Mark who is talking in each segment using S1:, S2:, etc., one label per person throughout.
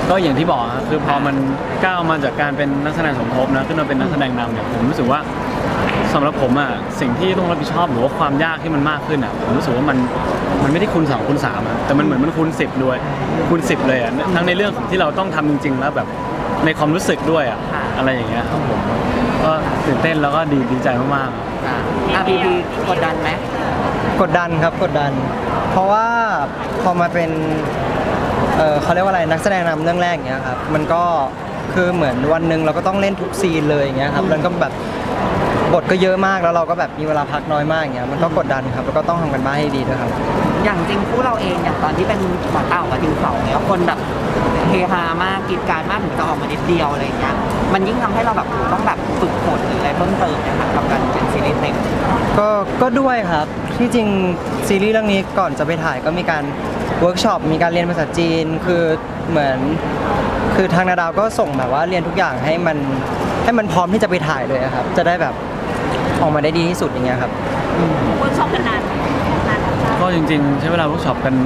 S1: ก็อย่างที่บอกครับคือพอมันก้าวมาจากการเป็นนักแสดงสมทบนะขึ้นมาเป็นนักแสดงนำเนี่ยผมรู้สึกว่าสำหรับผมอ่ะสิ่งที่ต้องรับผิดชอบหรือว่าความยากที่มันมากขึ้นอ่ะผมรู้สึกว่ามันไม่ได้คูณ2คูณ3อ่ะแต่มันเหมือนมันคูณ10ด้วยคูณ10เลยอ่ะทั้งในเรื่องของที่เราต้องทำจริงๆแล้วแบบในความรู้สึกด้วยอ่ะอะไรอย่างเงี้ยครับผมก็ตื่นเต้นแล้วก็ดีใจมากๆ
S2: พีกดดันไหม
S3: กดดันครับกดดันเพราะว่าพอมาเป็นเขาเรียกว่าอะไรนักแสดงนำเรื่องแรกอย่างเงี้ยครับมันก็คือเหมือนวันหนึ่งเราก็ต้องเล่นทุกซีนเลยอย่างเงี้ยครับแล้วก็แบบบทก็เยอะมากแล้วเราก็แบบมีเวลาพักน้อยมากอย่างเงี้ยมันก็กดดันครับแล้วก็ต้องทำกันบ้านให้ดีด้วยครับ
S2: อย่างจริงคู่เราเองอย่างตอนที่เป็นบอดกับดิวสองเนี่ยคนแบบเฮฮามากกรีดกรารมากถึงจะออกมานิดเดียวอะไรอย่างเงี้ยมันยิ่งทำให้เราแบบต้องแบบฝึกฝนหรืออะไรเพิ่มเติมนะคะกับการเป็นซีรีส์เต็ม
S3: ก็ด้วยครับที่จริงซีรีส์เรื่องนี้ก่อนจะไปถ่ายก็มีการเวิร์กช็อปมีการเรียนภาษาจีนคือเหมือนคือทางนาดาวก็ส่งแบบว่าเรียนทุกอย่างให้มันพร้อมที่จะไปถ่ายเลยครับจะได้แบบออกมาได้ดีที่สุดอย่างเงี้ยครับ
S4: เวิร์กช็อปกันนาน
S1: ก็จริงๆใช้เวลาเวิร์กช็อปกัน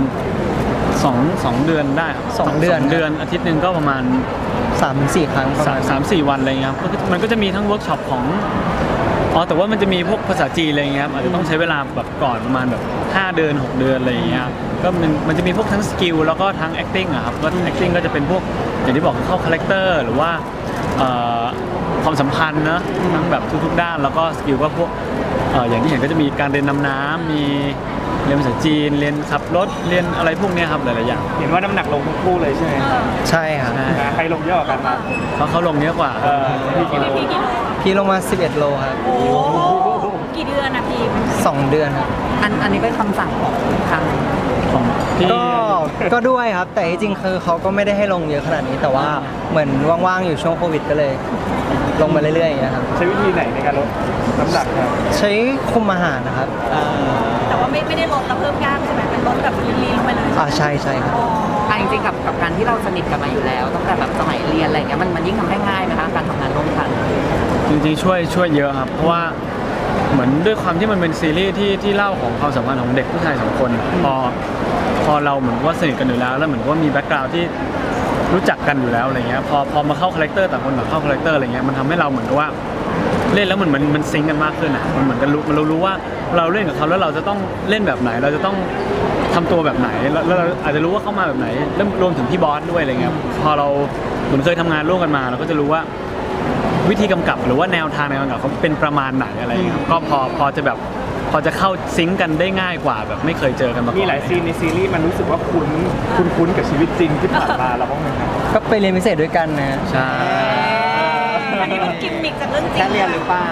S1: 2 เดือนได้ครับ
S3: 2 เดือน
S1: อาทิตย์หนึ่งก็ประมาณ
S3: 3-4 ครั้งประมาณ
S1: 3-4 วันอะไรเงี้ยครับมันก็จะมีทั้งเวิร์กช็อปของแต่ว่ามันจะมีพวกภาษาจีนอะไรเงี้ยครับอาจจะต้องใช้เวลาแบบก่อนประมาณแบบ5 เดือน 6 เดือนอะไรเงี้ยก็มันจะมีพวกทั้งสกิลแล้วก็ทั้ง acting อะครับก็ acting ก็จะเป็นพวกอย่างที่บอกเข้าคาแรคเตอร์หรือว่าความสัมพันธ์นะทั้งแบบทุกๆด้านแล้วก็สกิลก็พวกอย่างที่เห็นก็จะมีการเรียนดำน้ำมีเรียนภาษาจีนเรียนขับรถเรียนอะไรพวกนี้ครับหลายๆอย่าง
S5: เห็นว่าน้ำหนักลงทั้งคู่เลยใช่ไหม
S3: ใช่ครับ
S5: ใครลงเยอะกว่ากันมา
S1: เขาลงเยอะกว่า
S5: พี่กิโล
S3: พี่ลงมา11 โลครับ
S4: โอ้กี่เดือนนะพี่
S3: 2 เดือนครับ
S2: อันนี้เป็นคำสั่งของทาง
S1: พี่
S3: ก็ด้วยครับแต่จริงๆคือเขาก็ไม่ได้ให้ลงเยอะขนาดนี้แต่ว่าเหมือนว่างๆอยู่ช่วงโควิดก็เลยลงมาเรื่อยๆอย่างเงี้ยครับ
S5: ใช้วิธีไหนในการลดน้ำหนักครับ
S3: ใช้คุมอาหารนะครับ
S4: แต่ว่าไม่ได้ลดแล้วเพิ่มกล้ามใช่ไหมเป็นลดแบบลีนลงไปเลย
S3: ใช่ครับ
S2: จริงๆกับการที่เราสนิทกันมาอยู่แล้วตั้งแต่แบบสมัยเรียนอะไรเงี้ยมันยิ่งทำให้ง่ายไหมคะการทำงานร่วมกัน
S1: จริงๆช่วยเยอะครับเพราะว่าเหมือนด้วยความที่มันเป็นซีรีส์ที่เล่าของความสัมพันธ์ของเด็กผู้ชาย2 คนพอเราเหมือนว่าสนิทกันอยู่แล้วเหมือนว่ามีแบ็คกราวด์ที่รู้จักกันอยู่แล้วอะไรเงี้ยพอมาเข้าคาแรคเตอร์ต่างคนต่างเข้าคาแรคเตอร์อะไรเงี้ยมันทำให้เราเหมือนกับว่าเล่นแล้วมันซิงกันมากขึ้นอ่ะมันเหมือนกันเรารู้ว่าเราเล่นกับเขาแล้วเราจะต้องเล่นแบบไหนเราจะต้องทำตัวแบบไหนแล้วเราอาจจะรู้ว่าเข้ามาแบบไหนแล้วรวมถึงพี่บอสด้วยอะไรเงี้ยพอเราเหมือนเคยทำงานร่วมกันมาเราก็จะรู้ว่าวิธีกำกับหรือว่าแนวทางในการกำกับเขาเป็นประมาณไหนอะไรเงี้ยก็พอจะเข้าซิงกันได้ง่ายกว่าแบบไม่เคยเจอกันมาก่อน
S5: มีหลายซีนในซีรีส์มันรู้สึกว่าคุ้นกับชีวิตจริงที่ผ่านมาเราบ้างไหมครับ
S3: ก็ไปเรียนพิเศษด้วยกันนะ
S1: ใช่
S4: อันนี้เป็นกิมมิคจากเรื่องจริง
S2: แค่เรียนหรือเปล่า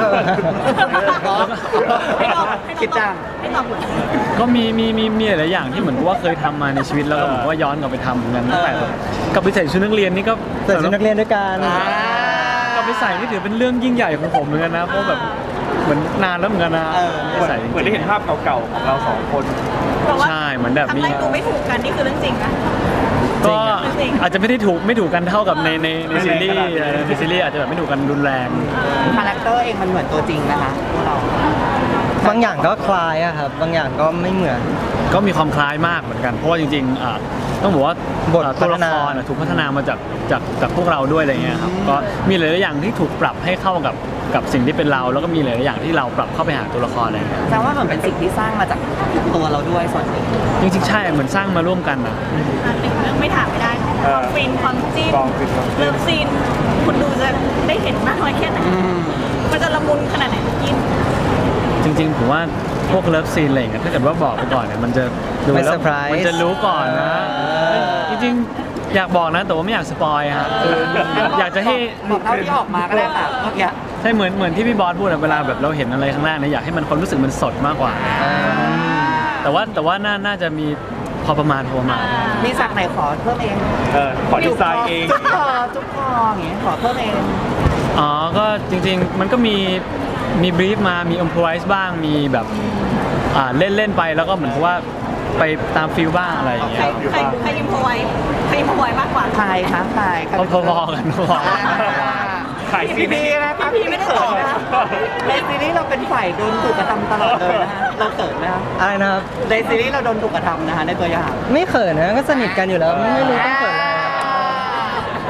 S2: คิดจัง
S1: ก็มีหลายอย่างที่เหมือนกับว่าเคยทำมาในชีวิตแล้วก็เหมือนว่าย้อนกลับไปทำเหมือนกันตั้งแต่กับไปใส่ชุดนักเรียนนี่ก็
S3: ใส่ชุดนักเรียนด้วยกัน
S1: กับไปใส่นี่ถือเป็นเรื่องยิ่งใหญ่ของผมเหมือนกันนะเพราะแบบเหมือนนานแล้วเหมือนกันนะ
S5: เหมือนได้เห็นภาพเก่าๆของเรา2 คน
S1: ใช่เหมือนแบบ
S4: นี้ทำอะไรตัวไม่ถูกกันนี่คือเรื่องจริงนะ
S1: ก็อาจจะไม่ถูกกันเท่ากับในซีรีส์อาจจะแบบไม่ถูกกันรุนแรง
S2: คาแรคเตอร์เองมันเหมือนตัวจริงนะคะพวกเรา
S3: บางอย่างก็คล้ายอะครับบางอย่างก็ไม่เหมือน
S1: ก็มีความคล้ายมากเหมือนกันเพราะว่าจริงๆต้องบอกว่าตัวละครถูกพัฒนามาจากพวกเราด้วยอะไรเงี้ยครับก็มีหลายๆอย่างที่ถูกปรับให้เข้ากับสิ่งที่เป็นเราแล้วก็มีหลายๆอย่างที่เราปรับเข้าไปหาตัวละครอะไรเงี้ย
S2: แสดงว่ามันเป็นสิ่งที่สร้างมาจากตัวเราด้วยส่วนหนึ่ง
S1: จริงๆใช่เหมือนสร้างมาร่วมกันนะ
S4: หนึ่งเรื่องไม่ถามไม่ได้ความฟินความจิ้มเลิฟซีนคุณดูจะได้เห็นมากน้อยแค่ไหนมันจะละมุนขนาดไหนกิน
S1: จริงๆผมว่าพวกเลิฟซีนอะไรเงี้ยถ้าเกิดว่าบอกไปก่อนเนี่ยมันจะดูแล้วมันจะรู้ก่อนนะจริงๆอยากบอกนะแต่ว่าไม่อยากสปอยฮะอยากจะให้
S2: บอกเท่าที่ออกมาก็ได้ค่ะเมื่อกี้
S1: ใช่เหมือนที่พี่บอสพูดเวลาแบบเราเห็นอะไรข้างล่างเนี่ยอยากให้มันความรู้สึกมันสดมากกว่าแต่ว่าน่าจะมีพอประมาณ
S2: มีสักไหนขอเพิ่มเอง
S5: ขอดีไซน์เอง
S2: จุ๊บคออย่างเงี้ยขอเพิ่มเอง
S1: ก็จริงๆมันก็มีบรีฟมามีอิมพรไวส์บ้างมีแบบเล่นไปแล้วก็เหมือนกับว่าไปตามฟิลบ้างอะไรอย่างเงี้ย
S4: ใครอิมพรไวส์มากกว่า
S2: ใครคะใคร
S1: พอๆกัน
S5: ถ่ายซีรีส์
S2: นะคะพี่ไม่ได้ตอบนะในซีรีส์เราเป็นฝ่ายโดนถูกกระทำตลอดเลยนะฮะเราเขินไหมครับ
S3: อะไรนะครับ
S2: ในซีรีส์เราโดนถูกกระทำนะคะในตัวอย่าง
S3: ไม่เขินนะก็สนิทกันอยู่แล้วไม่รู้ต้องเขินอะไร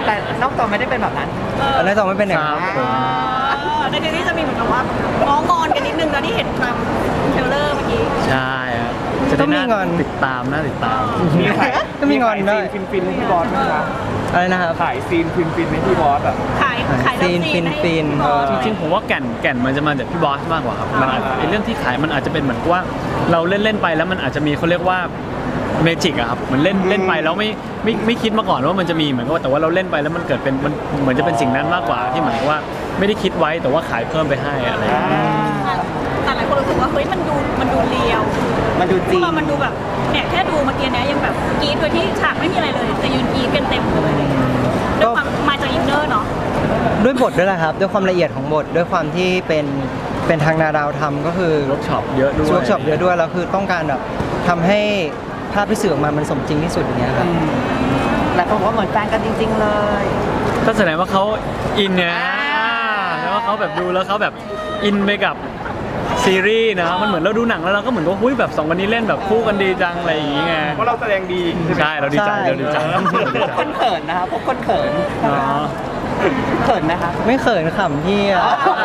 S2: แต่นอกจอไม่ได้เป็นแบบนั้น
S3: อันนี้ต้องไม่เป็นอย่าง
S1: ค
S3: นั้
S1: รั
S3: น
S1: บผม
S4: ในทีนี้จะมีเหมือนกับว่าง้องอนกันนิดนึงนะที่เห็นความเทรลเลอร์เมื่อกี้
S1: ใช่ครับจะได้น่าติดตามน่าติดตาม
S5: มีขาย
S3: ก็มีงอนด้วย
S5: ซีนฟินๆให้พี่บอสไหมคะ
S3: อะไรนะครับ
S5: ขายซีนฟินๆให้พี่บอสอ่ะ
S4: ขายเลิฟซีนให้
S3: ฟิน
S4: พี่บอส
S1: จริงๆผมว่าแก่นมันจะมาจากพี่บอสมากกว่าครับมันอาจไอ้เรื่องที่ขายมันอาจจะเป็นเหมือนกับว่าเราเล่นไปแล้วมันอาจจะมีเขาเรียกว่าเมจิกอะครับเหมือนเล่นไปแล้วไม่คิดมาก่อนว่ามันจะมีเหมือนกับว่าแต่ว่าเราเล่นไปแล้วมันเกิดเป็นมันเหมือนจะเป็นสิ่งนั้นมากกว่าที่เหมือนกับว่าไม่ได้คิดไว้แต่ว่าขายเพิ่มไปให้อะไรอย่างเงี้ย
S4: แต่หลายคนรู้สึกว่าเฮ้ยมันดูเรียว
S2: มันดู
S4: พ
S2: จริ
S4: ว
S2: ง
S4: กเรามันดูแบบเนี่ยแค่ดูเมื่อกี้เนี้ยยังแบบกรี๊ดโดยที่ฉากไม่มีอะไรเลยแต่ยืนกรี๊ดกันเต็มเลยด้วยความมาจากอินเนอร์เนาะ
S3: ด้วยบทด้วยแหละครับ ด้วยความละเอียดของบท ด้วยความที่เป็นทางนาดาวทำก็คือ
S1: เวิร์กช็อปเยอะด้วย
S3: เวิร์กช็อปเยอะด้วยแล้วคือต้องการแบบทำให้ภาพที่สื่อออกมามันสมจริงที่สุดอย่างเงี้ยครับ
S2: หลายคนบอกว่าเหมือนแฟนกันจริง ๆ เลย
S1: ก็แสดงว่าเขาอินเนี่ยแล้วว่าเขาแบบดูแล้วเขาแบบอินไปกับซีรีส์นะมันเหมือนเราดูหนังแล้วเราก็เหมือนว่าหุ้ยแบบสองคนนี้เล่นแบบคู่กันดีจังอะไรอย่างเงี้ย
S5: เพราะเราแสดงดีใช่ไหม
S1: ใช่เราดีใจ
S3: ใช่
S1: เราดีใจ
S2: คนเขินนะคะพวกคนเขิน
S1: อ๋อ
S2: เขินนะคะ
S3: ไม่เขินขำพี่อะ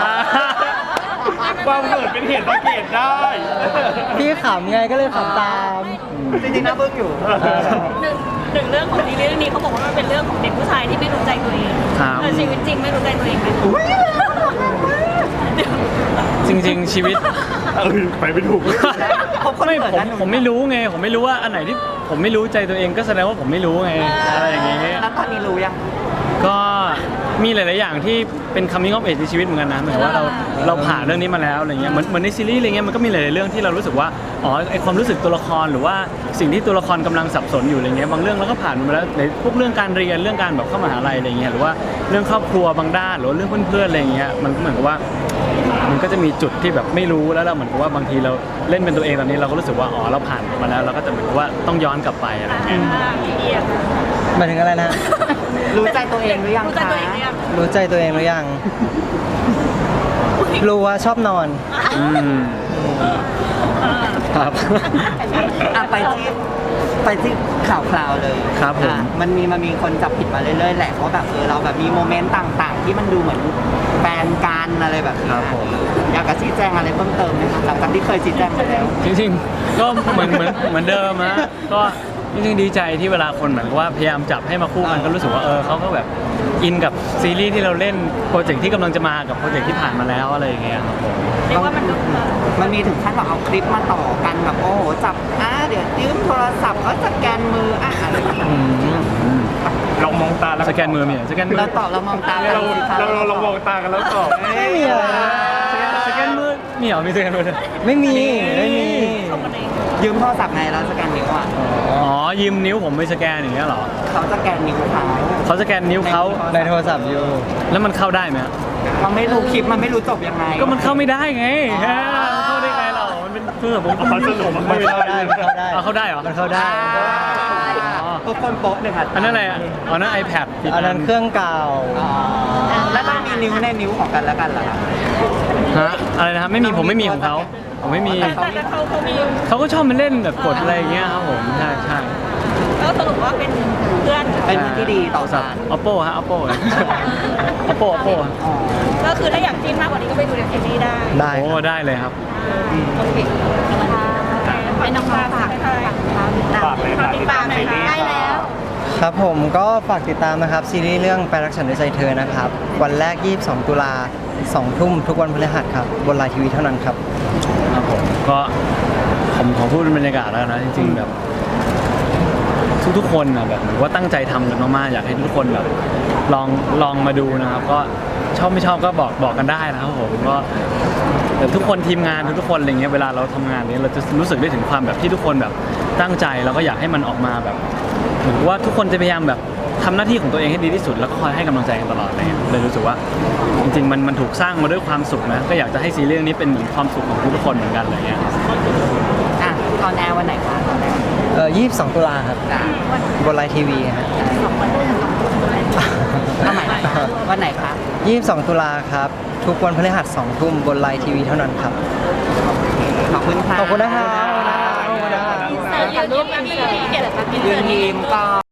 S5: ความเกิดเป็นเหตุสังเกตได้
S3: พี่ขำไงก็เลยขำตาม
S2: จริงๆนะเบิ้งอยู่
S4: หนึ่งเรื่องของซีรีส์เรื่องนี้เขาบอกว่ามันเป็นเรื่องของเด็กผู้ชายที่ไม่รู้ใจตัวเอง
S1: ครับ
S4: แต่ชีวิตจริงไม่รู้ใจตัวเองไหม
S1: จริง ๆ ชีวิต
S5: ไปไม่ถูก
S2: พบคน
S1: ไม่
S2: เขิน
S1: ผม
S2: นะหนู
S1: ผมไม่รู้ไงผมไม่รู้ว่าอันไหนที่ผมไม่รู้ใจตัวเองก็แสดงว่าผมไม่รู้ไงอะไรอย่างเงี้ย
S2: แล้วตอนนี้รู้ยัง
S1: ก็มีหลาย ๆ อย่างที่เป็นคำนิ่งออฟเอจในชีวิตเหมือนกันนะหมายถึงว่าเราผ่านเรื่องนี้มาแล้วอะไรเงี้ยเหมือนในซีรีส์อะไรเงี้ยมันก็มีหลาย ๆ เรื่องที่เรารู้สึกว่าอ๋อไอความรู้สึกตัวละครหรือว่าสิ่งที่ตัวละครกำลังสับสนอยู่อะไรเงี้ยบางเรื่องเราก็ผ่านมาแล้วในพวกเรื่องการเรียนเรื่องการแบบเข้ามหาลัยอะไรเงี้ยหรือว่าเรื่องครอบครัวบางด้านหรือว่าเรื่องเพื่อน ๆ อะไรเงี้ยมันก็เหมือนกับว่ามันก็จะมีจุดที่แบบไม่รู้แล้วเราเหมือนกับว่าบางทีเราเล่นเป็นตัวเองตอนนี้เราก็รู้สึกว่าอ๋อเราผ่านมาแล้วเราก็จะเหมือนกับว่าต้องย้อนกลับไปอะไรเงี้ย
S3: หมายถึงอะไรนะ
S2: รู้ใจตัวเองหรือยัง
S4: รู้ใจ
S2: คะ
S4: ตัวเองหรือยัง
S3: รู้ใจตัวเองหรือยัง รู้ว่าชอบนอน
S1: อืมครับ
S2: อ่ะไปที่ข่าวๆเลย
S1: ครับผม
S2: อ่ะมันมีคนจับผิดมาเรื่อยๆแหละว่าแบบเราแบบมีโมเมนต์ต่างๆ ที่มันดูเหมือนแฟนกันอะไรแบบนี้
S1: ครับผม
S2: อยากจะชี้แจงอะไรเพิ่มเติมไหมคะหลังจากที่เคยชี้แจงไปแล้ว
S1: จริงๆ ก็เหมือนเดิมนะก็จริงๆดีใจที่เวลาคนเหมือนกับว่าพยายามจับให้มาคู่กันก็รู้สึกว่าเขาก็แบบอินกับซีรีส์ที่เราเล่นโปรเจกต์ที่กำลังจะมากับโปรเจกต์ที่ผ่านมาแล้วอะไรอย่างเงี้ยครับผม
S4: เรียกว่ามันก็
S2: มันมีถึงขั้นแบบเอาคลิปมาต่อกันแบบโอ้โหจับเดี๋ยวยืมโทรศัพท์ก็สแกนมืออะไรแบบนี้
S5: ลองมองตาแล้ว
S1: สแกนมือมีเหรอสแกนมือ
S2: เราตอบเรามองตา
S5: เรา
S2: สิคะ
S5: เรามองตากันแล้วตอบ
S3: ไม่มีอะไรนะ
S1: สแกนมือมีเหรอมีสแกนมือด้วย
S3: ไม่มี
S4: ชมกันเอง
S2: ยืมโทรศัพท์ไงเราสแกนนิ้วอ่ะ
S1: อ๋อยืมนิ้วผมไปสแกนอย่างเงี้ยเหรอ
S2: เขาสแกนนิ้วเขา
S1: เขาสแกนนิ้วเขา
S3: ในโทรศัพท์อยู่
S1: แล้วมันเข้าได้ไหมฮะ
S2: เราไม่รู้คลิปมันไม่รู้จบยังไง
S1: ก็มันเข้าไม่ได้ไงฮะมันเข้าได้ไงเรามันเป็นเพื่อผม
S5: เอาสรุป
S3: มันเข้าได้มันเข้าได้
S1: เอาเข้าได้เหรอ
S3: มันเข้าได้
S2: ทุกคนโป๊ะหนึ่งอ่ะ
S1: อันนั้นอะไรอ่ะอ๋อนั่น iPad ผิด
S3: อันนั้นเครื่องเก่า
S2: แล้วมันมีนิ้วในนิ้วของกันแล้วกันเหรอคะ
S1: ฮะอะไรนะครับไม่มีผมไม่มีของเขาผมไม่มี
S4: แต่เขามี
S1: เขาก็ชอบมาเล่นแบบกดอะไรอย่างเงี้ยครับผมใช่ใช่
S4: แล้วสรุปว่าเป็นเพื่อน
S2: เป็นที่ดีต่อกัน
S1: Oppo ฮะ Oppo Oppo Oppo
S4: ก็คือถ้าอยากจิ้นมากกว่านี้ก็ไปดูในซีรีส์ได้
S3: ได้
S1: โอ้
S3: ครับ
S1: ได้เลยครับ
S4: โอเคให้น้องปลาฝากให้ใคร
S5: ฝากเลยค่ะ
S4: ติดตามหน่อยค่ะได้แล้ว
S3: ครับผมก็ฝากติดตามนะครับ ซีรีส์เรื่องไปรักฉันด้วยใจเธอนะครับ วันแรก 22 ตุลา2 ทุ่มทุกวันพฤหัสครับ บนไลน์ทีวีเท่านั้นครับ
S1: ครับผมก็ผมขอพูดเป็นบรรยากาศแล้วนะจริงๆแบบทุกๆคนนะแบบเหมือนว่าตั้งใจทำกันมากๆอยากให้ทุกคนแบบลองมาดูนะครับ ก็ชอบไม่ชอบก็บอกกันได้นะครับผมก็แต่ทุกคนทีมงานทุกๆคนอะไรเงี้ยเวลาเราทำงานเนี้ยเราจะรู้สึกได้ถึงความแบบที่ทุกคนแบบตั้งใจแล้วก็อยากให้มันออกมาแบบเหมือนว่าทุกคนจะพยายามแบบทำหน้าที่ของตัวเองให้ดีที่สุดแล้วก็คอยให้กำลังใจกันตลอดอะไรเงี้ยเลยรู้สึกว่าจริงๆมันถูกสร้างมาด้วยความสุขนะก็อยากจะให้ซีรีส์เรื่องนี้เป็นเหมือนความสุขของทุกๆคนเหมือนกันอะไรเงี้ย
S2: อ่ะตอนแอร์วันไหนคะ
S3: 22 ตุลาครับ
S2: จ้ะ
S3: บนไลน์ทีวีฮะ
S2: วันไหนคะวันไหนคะ
S3: 22 ตุลาครับ ทุกวันพฤหัส2 ทุ่มบนไลน์ทีวีเท่านั้นครับ
S2: ขอบคุณค่ะ
S3: ขอบคุณนะครับ
S4: อินเสิร์ตยืนยิ้มกันเลยเกียรติ
S2: ยืนยิ้มก่อน